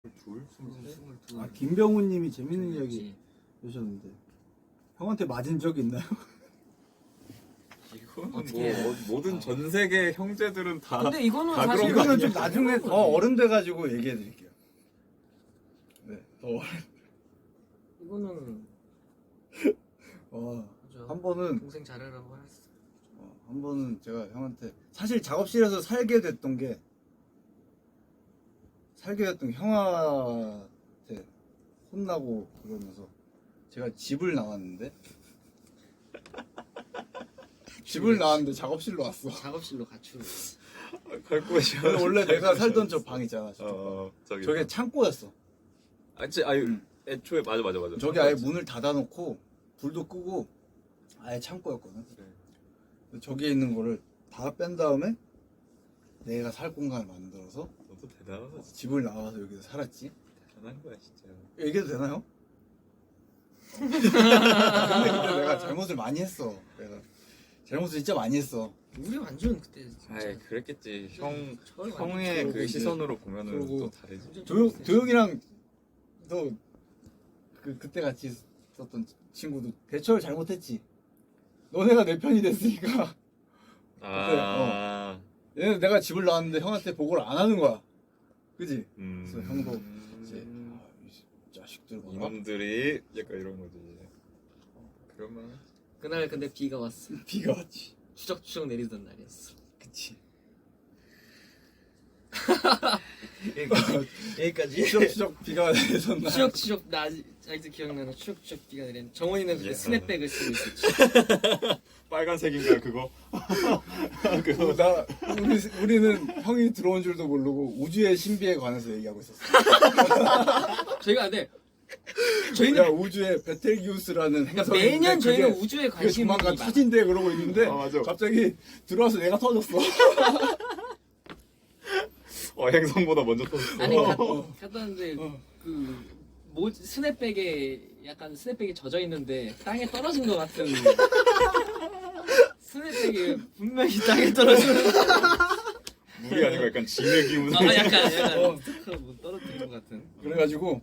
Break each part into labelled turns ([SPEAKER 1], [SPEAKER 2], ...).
[SPEAKER 1] 둘? 22?
[SPEAKER 2] 아 김병훈님이 재밌는 이야기 해주셨는데 형한테 맞은 적이 있나요?
[SPEAKER 1] 이거는
[SPEAKER 3] 어떻게
[SPEAKER 1] 뭐 모든 전 세계 형제들은 다
[SPEAKER 3] 근데 이거는
[SPEAKER 1] 다
[SPEAKER 3] 사실
[SPEAKER 1] 그런 거
[SPEAKER 2] 이거는 좀
[SPEAKER 1] 아니야?
[SPEAKER 2] 나중에 더 어른 돼가지고 얘기해 드릴게요. 네, 더 어른.
[SPEAKER 3] 이거는 그죠.
[SPEAKER 2] 한 번은
[SPEAKER 3] 동생 잘하라고 했어.
[SPEAKER 2] 한 번은 제가 형한테 사실 작업실에서 살게 됐던 게 형한테 혼나고 그러면서 제가 집을 나왔는데 작업실로 왔어.
[SPEAKER 3] 작업실로 가출을.
[SPEAKER 1] 갈 곳이
[SPEAKER 2] 원래 내가 살던 저 방 있잖아.
[SPEAKER 1] 저기
[SPEAKER 2] 저게 창고였어.
[SPEAKER 1] 애초에 맞아.
[SPEAKER 2] 저기 아예 문을 닫아놓고 불도 끄고 아예 창고였거든.
[SPEAKER 1] 네.
[SPEAKER 2] 저기에 있는 거를 다 뺀 다음에 내가 살 공간을 만들어서
[SPEAKER 1] 너도 대단하다.
[SPEAKER 2] 집을 나와서 여기서 살았지.
[SPEAKER 1] 대단한 거야 진짜.
[SPEAKER 2] 얘기해도 되나요? 근데 내가 잘못을 많이 했어. 내가 잘못을 진짜 많이 했어.
[SPEAKER 3] 우리 완전 그때 진짜
[SPEAKER 1] 아이 그랬겠지.
[SPEAKER 3] 저를
[SPEAKER 1] 형의
[SPEAKER 3] 완전
[SPEAKER 1] 그
[SPEAKER 2] 이제
[SPEAKER 1] 시선으로 보면은
[SPEAKER 2] 그러고
[SPEAKER 1] 또 다르지.
[SPEAKER 3] 완전
[SPEAKER 2] 도영이랑 또 그때 같이 있었던 친구도 대처를 잘못했지. 너네가 내 편이 됐으니까. 얘는 내가 집을 나왔는데 형한테 보고를 안 하는 거야. 그지? 그래서 형도 이제 이 자식들 뭐라?
[SPEAKER 1] 이놈들이 약간 이런 거지. 그러면
[SPEAKER 3] 그날 근데 비가 왔어.
[SPEAKER 2] 비가 왔지.
[SPEAKER 3] 추적추적 내리던 날이었어.
[SPEAKER 2] 그치.
[SPEAKER 3] 여기까지.
[SPEAKER 2] 추적추적 비가 내리던 날.
[SPEAKER 3] 추적추적 나 아직도 기억나는 추적추적 비가 내리는. 정원이는 그때
[SPEAKER 1] 예.
[SPEAKER 3] 스냅백을 쓰고 있었지.
[SPEAKER 1] 빨간색인가 그거?
[SPEAKER 2] 우리는 형이 들어온 줄도 모르고 우주의 신비에 관해서 얘기하고 있었어.
[SPEAKER 3] 저희가 근데
[SPEAKER 2] 야,
[SPEAKER 3] 저희는
[SPEAKER 2] 우주의 베텔기우스라는 행성이
[SPEAKER 3] 매년
[SPEAKER 2] 있는데
[SPEAKER 3] 저희는
[SPEAKER 2] 그게
[SPEAKER 3] 우주에 관심이
[SPEAKER 2] 조만간
[SPEAKER 3] 많아.
[SPEAKER 2] 터진대 그러고 있는데
[SPEAKER 1] 맞아.
[SPEAKER 2] 갑자기 들어와서 얘가 터졌어.
[SPEAKER 1] 행성보다 먼저 터졌어.
[SPEAKER 3] 아니 갔다 왔는데 스냅백에 젖어 있는데 땅에 떨어진 것 같은 스냅백이 분명히 땅에 떨어지는
[SPEAKER 1] 물이 아니고 약간 진흙이 묻은.
[SPEAKER 3] 약간 뭐 떨어뜨린 것 같은.
[SPEAKER 2] 그래가지고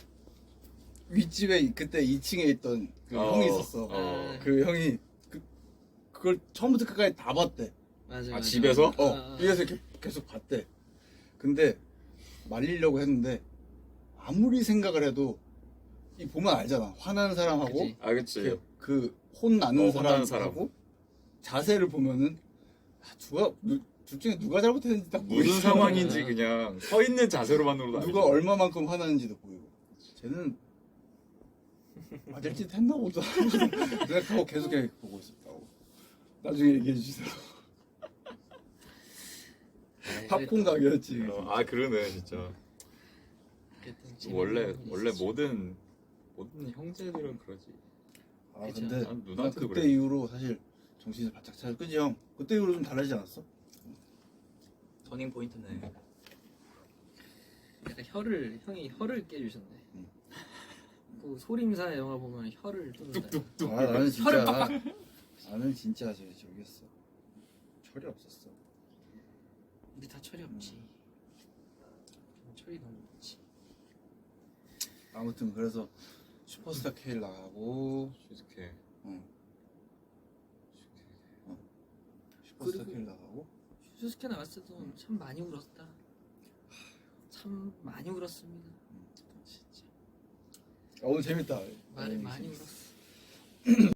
[SPEAKER 2] 윗집에 그때 2층에 있던 그 형이 있었어. 그 형이 그걸 처음부터 끝까지 다 봤대.
[SPEAKER 3] 맞아.
[SPEAKER 1] 집에서?
[SPEAKER 2] 위에서 이렇게 계속 봤대. 근데 말리려고 했는데 아무리 생각을 해도 이 보면 알잖아. 화나는 사람하고
[SPEAKER 3] 그치.
[SPEAKER 1] 그치.
[SPEAKER 2] 그 혼나는
[SPEAKER 1] 혼나는
[SPEAKER 2] 사람하고 자세를 보면은 둘 중에 누가 잘못했는지 딱
[SPEAKER 1] 무슨
[SPEAKER 2] 보이잖아.
[SPEAKER 1] 상황인지 그냥 서 있는 자세로만으로도
[SPEAKER 2] 누가
[SPEAKER 1] 알죠.
[SPEAKER 2] 얼마만큼 화나는지도 보이고. 쟤는 맞을 짓 했나 보다 생각하고 계속 보고 있었다고. 나중에 얘기해 주세요. 팝콘 가게였지.
[SPEAKER 1] 그러네 진짜. 원래 모든 형제들은 그러지.
[SPEAKER 3] 그쵸.
[SPEAKER 2] 근데
[SPEAKER 1] 난
[SPEAKER 2] 나
[SPEAKER 1] 누나한테도
[SPEAKER 2] 그때
[SPEAKER 1] 그래.
[SPEAKER 2] 이후로 사실 정신을 바짝 차려. 그지 형? 그때 이후로 좀 달라지지 않았어?
[SPEAKER 4] 터닝 포인트네.
[SPEAKER 3] 약간 형이 혀를 깨주셨네. 그 소림사 영화 보면 혀를 뚫는다.
[SPEAKER 1] 뚝뚝뚝.
[SPEAKER 2] 나는 진짜
[SPEAKER 3] 혀를 빡빡.
[SPEAKER 2] 나는 진짜 저기였어. 철이 없었어.
[SPEAKER 3] 우리 다 철이 없지. 철이 너무 없지.
[SPEAKER 2] 아무튼 그래서 슈퍼스타 K 나가고
[SPEAKER 1] 솔직해.
[SPEAKER 2] 슈퍼스타
[SPEAKER 3] 그리고-
[SPEAKER 2] K 나가고
[SPEAKER 3] 슈스케 나갔을 때도 참 많이 울었다. 참 많이 울었습니다. 진짜
[SPEAKER 2] 오늘 재밌다.
[SPEAKER 3] 많이 울었어.